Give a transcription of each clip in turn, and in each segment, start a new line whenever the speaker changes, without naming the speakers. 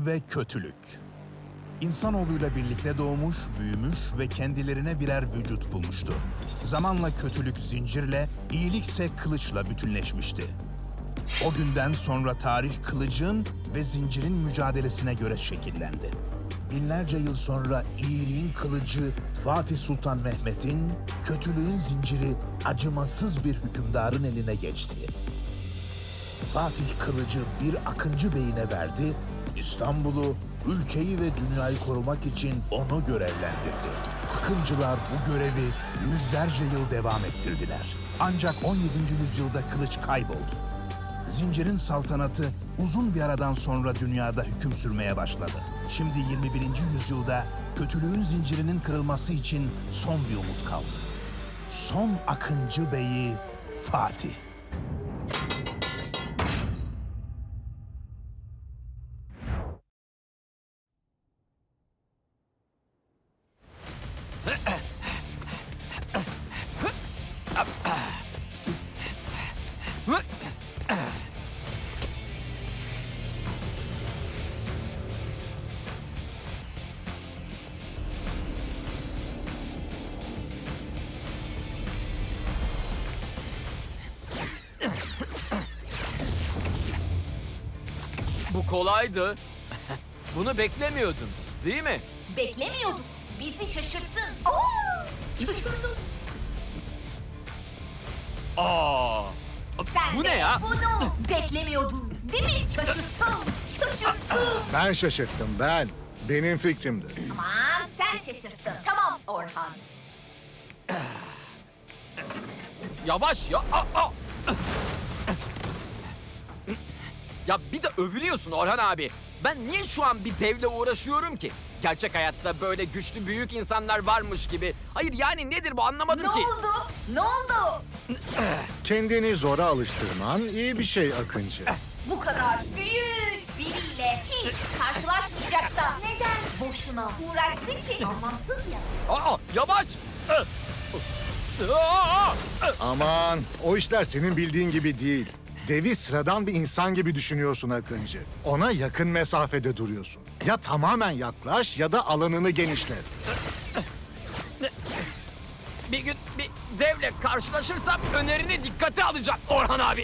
ve kötülük. İnsanoğluyla birlikte doğmuş, büyümüş ve kendilerine birer vücut bulmuştu. Zamanla kötülük zincirle, iyilikse kılıçla bütünleşmişti. O günden sonra tarih kılıcın ve zincirin mücadelesine göre şekillendi. Binlerce yıl sonra iyiliğin kılıcı Fatih Sultan Mehmet'in, kötülüğün zinciri acımasız bir hükümdarın eline geçti. Fatih kılıcı bir Akıncı Bey'ine verdi, İstanbul'u, ülkeyi ve dünyayı korumak için onu görevlendirdi. Akıncılar bu görevi yüzlerce yıl devam ettirdiler. Ancak 17. yüzyılda kılıç kayboldu. Zincirin saltanatı uzun bir aradan sonra dünyada hüküm sürmeye başladı. Şimdi 21. yüzyılda kötülüğün zincirinin kırılması için son bir umut kaldı. Son Akıncı Bey'i Fatih.
Bu kolaydı. Bunu beklemiyordun, değil mi?
Beklemiyorduk. Bizi şaşırttın. Oo! Şaşırdım.
Aa!
Sen
Bu
de
ne ya?
bunu beklemiyordun. Değil mi? Şaşırttım. Şaşırttım.
Ben şaşırttım, ben. Benim fikrimdi.
Aman sen şaşırttın. Tamam Orhan.
Yavaş ya. Ya bir de övülüyorsun Orhan abi. Ben niye şu an bir devle uğraşıyorum ki? Gerçek hayatta böyle güçlü büyük insanlar varmış gibi. Hayır yani nedir bu anlamadım
Ne
ki.
oldu? Ne oldu?
Kendini zora alıştırman iyi bir şey Akıncı.
Bu kadar büyük biriyle hiç karşılaşmayacaksa neden boşuna uğraşsın ki? Anlamsız ya.
Yavaş. Aa!
Aman, o işler senin bildiğin gibi değil. Devi sıradan bir insan gibi düşünüyorsun Akıncı. Ona yakın mesafede duruyorsun. Ya tamamen yaklaş ya da alanını genişlet.
Bir gün bir devle karşılaşırsam önerini dikkate alacağım Orhan abi.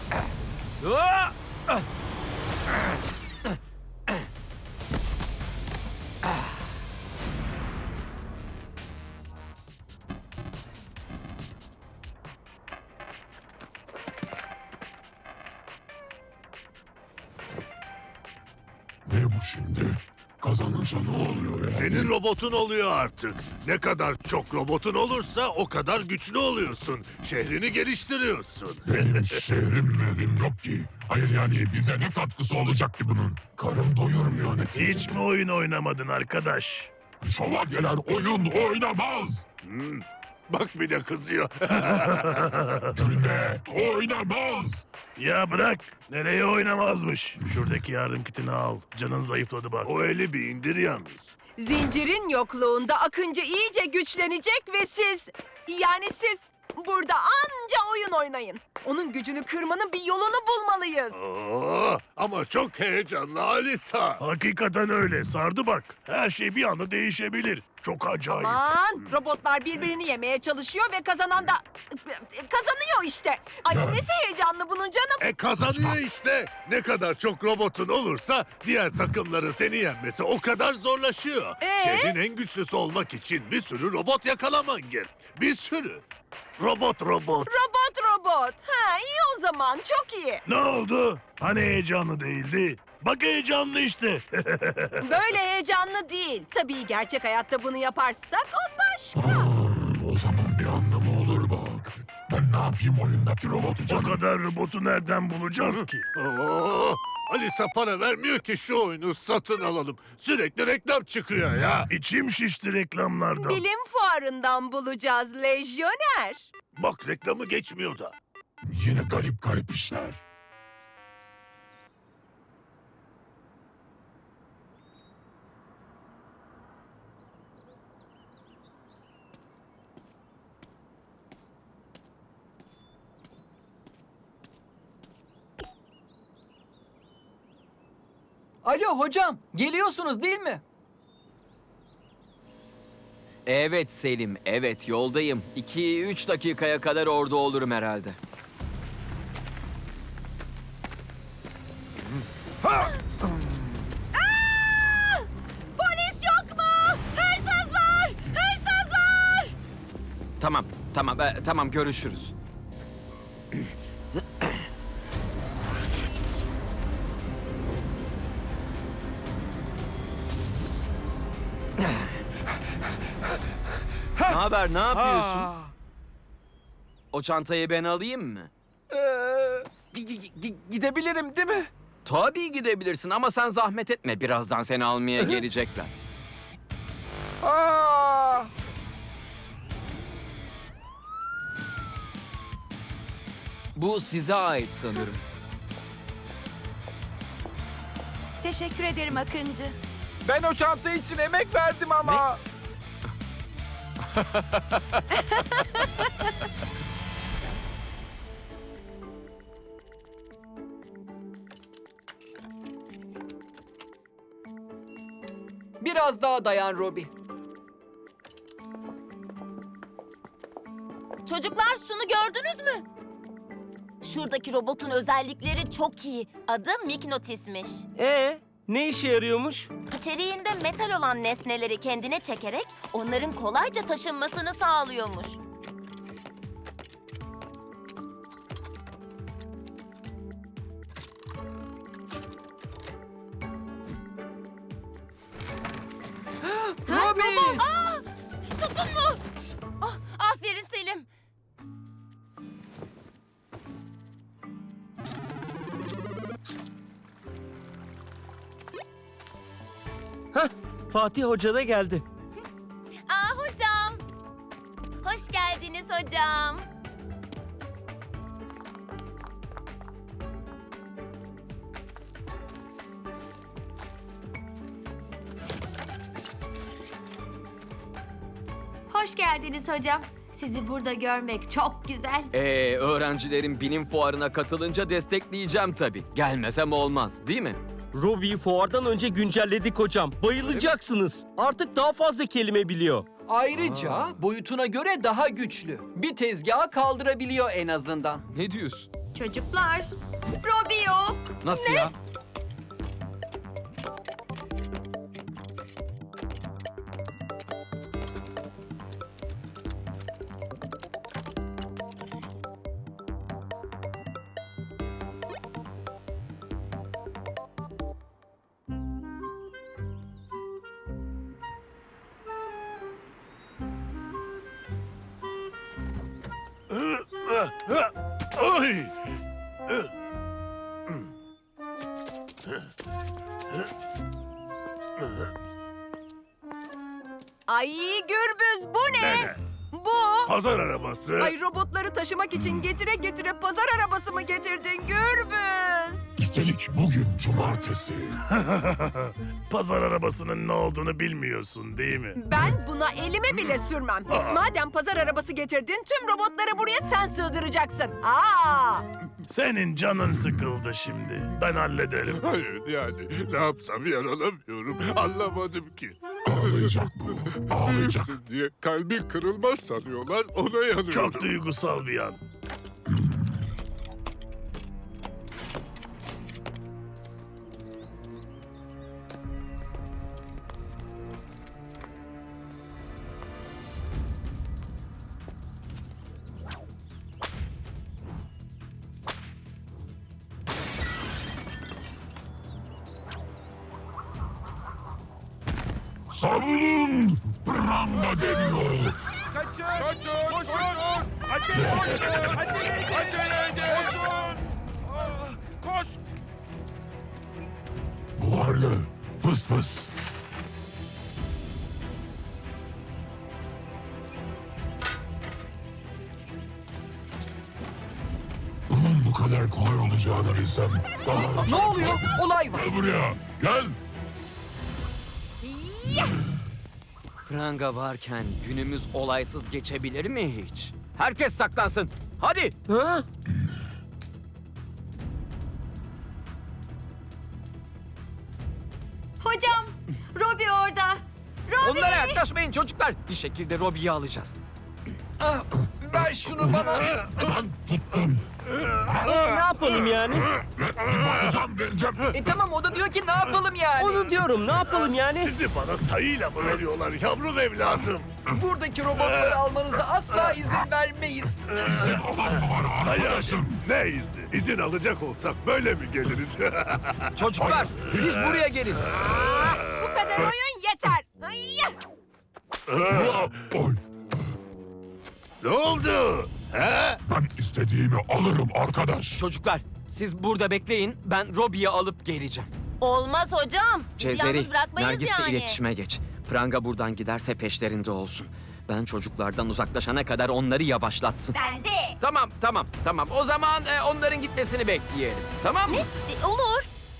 Ne bu şimdi? Kazanınca ne oluyor yani?
Senin robotun oluyor artık. Ne kadar çok robotun olursa o kadar güçlü oluyorsun. Şehrini geliştiriyorsun.
Benim şehrim evim yok ki. Hayır yani bize ne katkısı olacak ki bunun? Karım doyurmuyor neticede.
Hiç mi oyun oynamadın arkadaş?
Şövalyeler oyun oynamaz.
Bak bir de kızıyor.
Gülme, oynamaz.
Ya bırak. Nereye oynamazmış? Şuradaki yardım kitini al. Canın zayıfladı bak. O eli bir indir yalnız.
Zincirin yokluğunda Akıncı iyice güçlenecek ve siz burada anca oyun oynayın. Onun gücünü kırmanın bir yolunu bulmalıyız.
Oo, ama çok heyecanlı Alisa. Hakikaten öyle. Sardı bak. Her şey bir anda değişebilir. Çok acayip.
Aman, robotlar birbirini yemeye çalışıyor ve kazanan da kazanıyor işte. Ay nesi heyecanlı bunun canım.
Kazanıyor işte. Ne kadar çok robotun olursa diğer takımların seni yenmesi o kadar zorlaşıyor. Şehrin en güçlüsü olmak için bir sürü robot yakalaman gerek. Bir sürü. Robot.
Robot. Ha iyi o zaman, çok iyi.
Ne oldu? Hani heyecanlı değildi? Bak heyecanlı işte.
Böyle heyecanlı değil. Tabii gerçek hayatta bunu yaparsak o başka.
O zaman bir anlamı olur bak. Ben ne yapayım oyundaki robotu canım?
kadar robotu nereden bulacağız ki? Oo, Alisa para vermiyor ki şu oyunu satın alalım. Sürekli reklam çıkıyor ya. İçim şişti reklamlardan.
Bilim fuarından bulacağız lejyoner.
Bak reklamı geçmiyor da.
Yine garip işler.
Alo hocam, geliyorsunuz değil mi?
Evet Selim, evet yoldayım. 2-3 dakikaya kadar orada olurum herhalde.
Polis yok mu? Hırsız var! Hırsız var!
Tamam görüşürüz. Ne haber, ne yapıyorsun? O çantayı ben alayım mı?
Gidebilirim değil mi?
Tabii gidebilirsin ama sen zahmet etme. Birazdan seni almaya gelecekler. Bu size ait sanırım.
Teşekkür ederim Akıncı.
Ben o çanta için emek verdim ama. Biraz daha dayan Robbie.
Çocuklar şunu gördünüz mü? Şuradaki robotun özellikleri çok iyi. Adı Mignotis'miş.
Ne işe yarıyormuş?
İçeriğinde metal olan nesneleri kendine çekerek onların kolayca taşınmasını sağlıyormuş.
Robbie!
Tuttun mu? Ah, aferin Selim.
Fatih Hoca da geldi.
Hocam. Hoş geldiniz hocam. Hoş geldiniz hocam. Sizi burada görmek çok güzel.
Öğrencilerin bilim fuarına katılınca destekleyeceğim tabii. Gelmesem olmaz, değil mi?
Robbie'yi fuardan önce güncelledik hocam. Bayılacaksınız. Artık daha fazla kelime biliyor.
Ayrıca boyutuna göre daha güçlü. Bir tezgahı kaldırabiliyor en azından.
Ne diyorsun?
Çocuklar, Robbie yok.
Nasıl ya?
Ay!
Ay Gürbüz bu ne? Bu.
Pazar arabası.
Ay robotları taşımak için getire getire pazar arabası mı getirdin Gürbüz?
Üstelik bugün cumartesi.
Pazar arabasının ne olduğunu bilmiyorsun değil mi?
Ben buna elime bile sürmem. Madem pazar arabası getirdin tüm robotları buraya sen sığdıracaksın.
Senin canın sıkıldı şimdi. Ben hallederim. Hayır yani ne yapsam yaralamıyorum. Anlamadım ki.
Ağlayacak bu. Ağlayacak.
Diye kalbi kırılmaz sanıyorlar ona yanıyorum. Çok duygusal bir an.
Savunun! Pranga deniyor.
Kaçın! Koşun! Acele koşun! Acele edin! Koşun! Koş!
Buharlı. Fıs fıs. Bunun bu kadar kolay olacağını bilsem daha önce...
Ne oluyor? Olay var.
Gel buraya. Gel.
Pranga varken günümüz olaysız geçebilir mi hiç? Herkes saklansın. Hadi.
Ha?
Robbie orada. Robbie!
Onlara yaklaşmayın çocuklar. Bir şekilde Robbie'yi alacağız.
Ah, ver şunu bana.
Ben tuttum.
Ne yapalım yani?
Bir bakacağım vereceğim.
Tamam o da diyor ki ne yapalım yani?
Onu diyorum, ne yapalım yani?
Sizi bana sayıyla mı veriyorlar yavrum evladım?
Buradaki robotları almanıza asla izin vermeyiz.
İzin olan mı var arkadaşım?
Ne izni? İzin alacak olsak böyle mi geliriz?
Çocuklar siz buraya gelin.
Bu kadar oyun yeter. Ay!
Oy,
Ne oldu? He?
ben istediğimi alırım arkadaş.
Çocuklar siz burada bekleyin. Ben Robbie'yi alıp geleceğim.
Olmaz hocam. Sizi
Cezeri,
yalnız bırakmayız
Nergis'le
yani.
iletişime geç. Pranga buradan giderse peşlerinde olsun. Ben çocuklardan uzaklaşana kadar onları yavaşlatsın.
Ben de.
Tamam. O zaman onların gitmesini bekleyelim. Tamam mı?
Olur.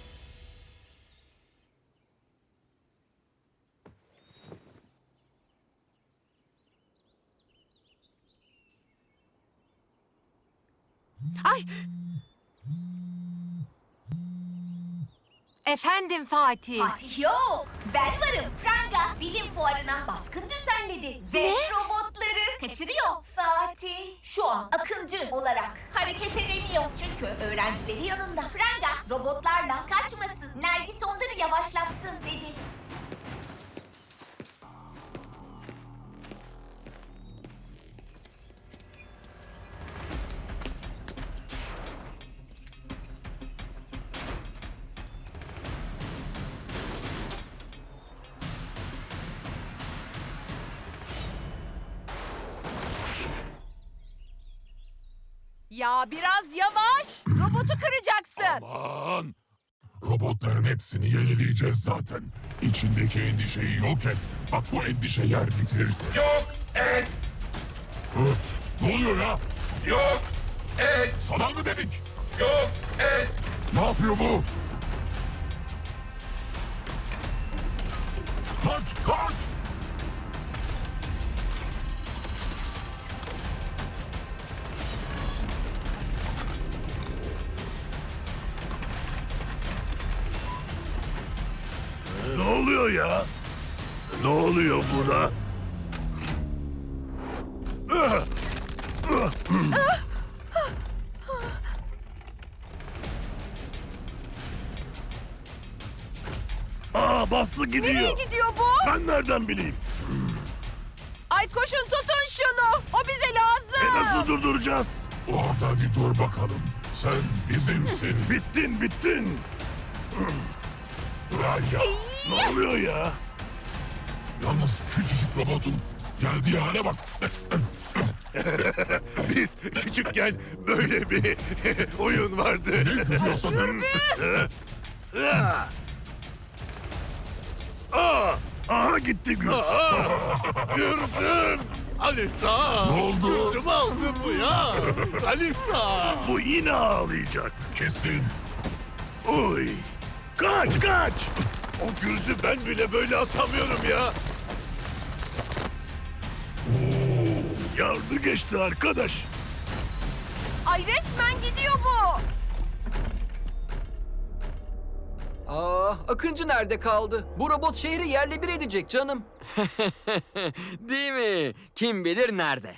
Efendim Fatih.
Fatih yok. Ben varım. Pranga bilim fuarına baskın düzenledi. Ve robotları kaçırıyor. Fatih şu an akıncı olarak hareket edemiyor. Çünkü öğrencileri yanında. Pranga robotlarla kaçmasın. Nergis onları yavaşlatsın dedi.
Ya biraz yavaş. Robotu kıracaksın.
Aman! Robotların hepsini yenileyeceğiz zaten. İçindeki endişeyi yok et. Bak bu endişe yer bitirirse. Yok et! Ne oluyor ya? Yok et! Sana mı dedik? Yok et! Ne yapıyor bu? Kaç!
Ne oluyor ya? Ne oluyor buna? Aa bastı gidiyor.
Nereye gidiyor bu?
Ben nereden bileyim?
Ay koşun tutun şunu. O bize lazım.
Nasıl durduracağız?
Orada bir dur bakalım. Sen bizimsin.
Bittin.
Raya.
Ne oluyor ya?
Yalnız küçücük robotun geldiği hale bak.
Biz küçükken böyle bir oyun vardı.
Ne gülüyorsun?
Aha gitti Gürs. Gürsüm. Alisa.
Ne oldu?
Gürsüm aldı bu ya. Alisa. Bu yine ağlayacak.
Kesin.
Oy. Kaç. O Gürsü ben bile böyle atamıyorum ya. Yardı geçti arkadaş.
Ay resmen gidiyor bu.
Akıncı nerede kaldı? Bu robot şehri yerle bir edecek canım.
Değil mi? Kim bilir nerede?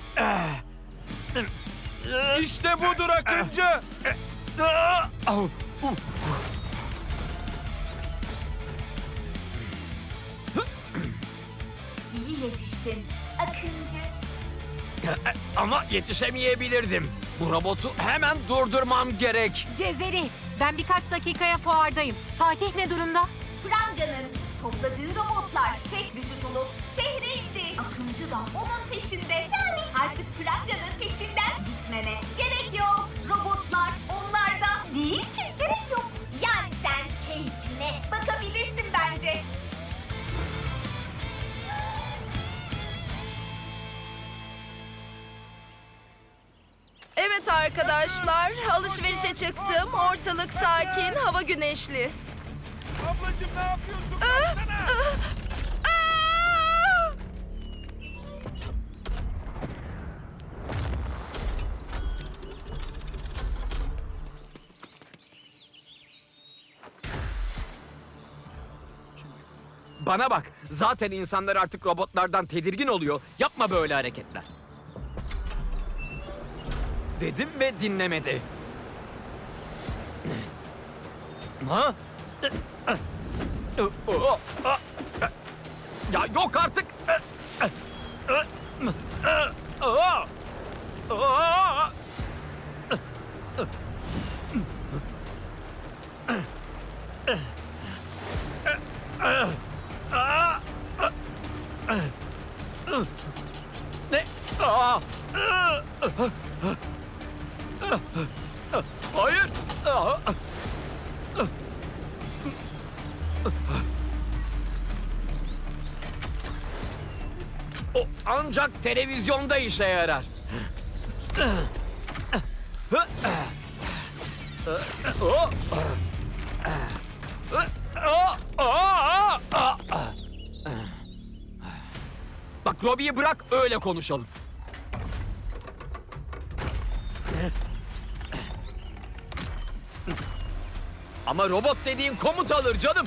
İşte budur Akıncı.
İyi yetiştin Akıncı.
Ama yetişemeyebilirdim. Bu robotu hemen durdurmam gerek.
Cezeri, ben birkaç dakikaya fuardayım. Fatih ne durumda?
Pranga'nın topladığı robotlar tek vücut olup şehre indi. Akıncı da onun peşinde. Yani artık Pranga'nın peşinden gitmene gerek yok. Robotlar onlarda değil ki. Gerek yok. Yani sen keyfine bakabilirsin bence.
Evet arkadaşlar, alışverişe çıktım. Ortalık sakin, hava güneşli.
Ablacığım ne yapıyorsun?
Bana bak, zaten insanlar artık robotlardan tedirgin oluyor. Yapma böyle hareketler. Dedim ve dinlemedi. Ha? Ya yok artık. Ne? Hayır. O ancak televizyonda işe yarar. Bak Robbie'yi bırak öyle konuşalım. Ama robot dediğin komut alır canım.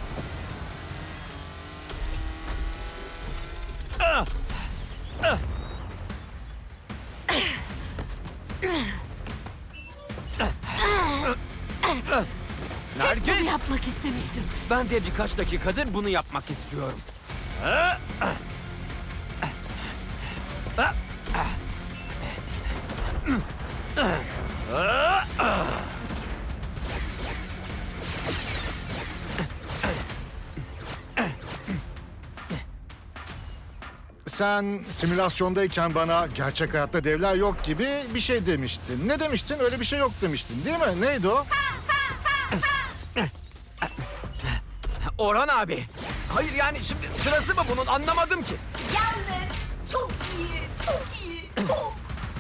Nergis!
Yapmak istemiştim.
Ben de birkaç dakikadır bunu yapmak istiyorum.
Sen simülasyondayken bana gerçek hayatta devler yok gibi bir şey demiştin. Ne demiştin? Öyle bir şey yok demiştin değil mi? Neydi o?
Orhan abi. Hayır yani şimdi sırası mı bunun anlamadım ki.
Yalnız çok iyi, çok iyi, çok.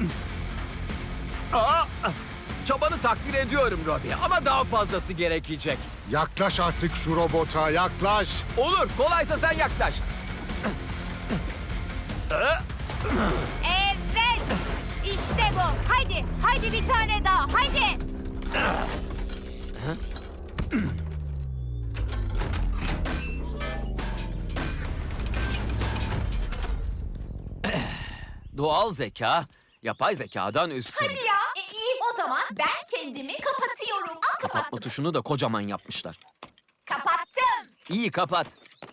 Çabanı takdir ediyorum Robbie ama daha fazlası gerekecek.
Yaklaş artık şu robota, yaklaş.
Olur, kolaysa sen yaklaş.
Evet. İşte bu. Haydi bir tane daha. Haydi.
Doğal zeka, yapay zekadan üstün.
Hadi ya. İyi o zaman ben kendimi kapatıyorum. Al
Kapatma
kapattım.
tuşunu da kocaman yapmışlar.
Kapattım.
İyi kapat.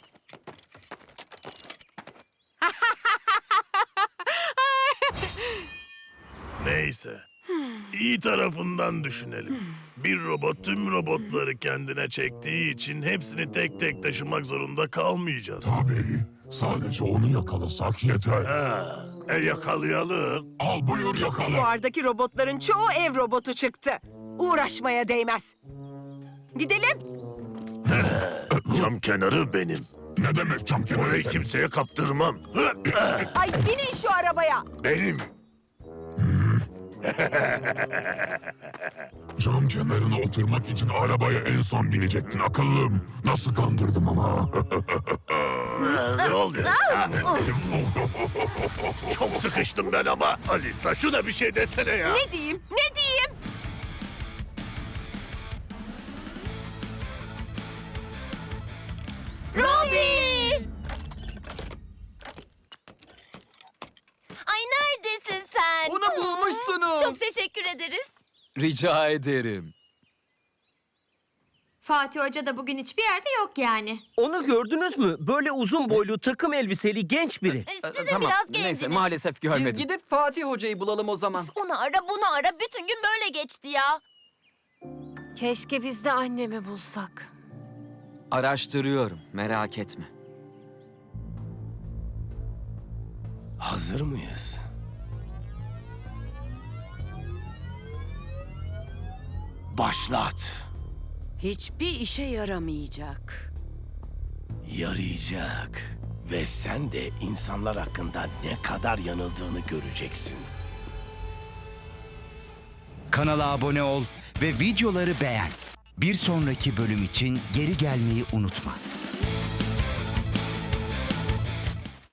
Neyse. İyi tarafından düşünelim. Bir robot tüm robotları kendine çektiği için hepsini tek tek taşımak zorunda kalmayacağız.
Tabii. Sadece onu yakalasak yeter.
Yakalayalım.
Al buyur yakala.
Fuardaki robotların çoğu ev robotu çıktı. Uğraşmaya değmez. Gidelim.
Cam kenarı benim.
Ne demek cam kenarı
Orayı
senin?
kimseye kaptırmam.
Ay binin şu arabaya.
Benim.
Cam kenarına oturmak için arabaya en son binecektin akıllım. Nasıl kandırdım ama.
Ne oluyor? Çok sıkıştım ben ama. Alisa şuna bir şey desene ya.
Ne diyeyim? Ne diyeyim?
Robbie! Ay neredesin sen?
Bunu bulmuşsunuz.
Çok teşekkür ederiz.
Rica ederim.
Fatih Hoca da bugün hiçbir yerde yok yani.
Onu gördünüz mü? Böyle uzun boylu takım elbiseli genç biri.
Size
Tamam,
biraz
neyse
geldiniz.
maalesef
Biz
görmedim.
gidip Fatih Hoca'yı bulalım o zaman.
Onu ara bunu ara. Bütün gün böyle geçti ya.
Keşke biz de annemi bulsak.
Araştırıyorum, merak etme.
Hazır mıyız? Başlat.
Hiçbir işe yaramayacak.
Yarayacak. Ve sen de insanlar hakkında ne kadar yanıldığını göreceksin.
Kanala abone ol ve videoları beğen. Bir sonraki bölüm için geri gelmeyi unutma.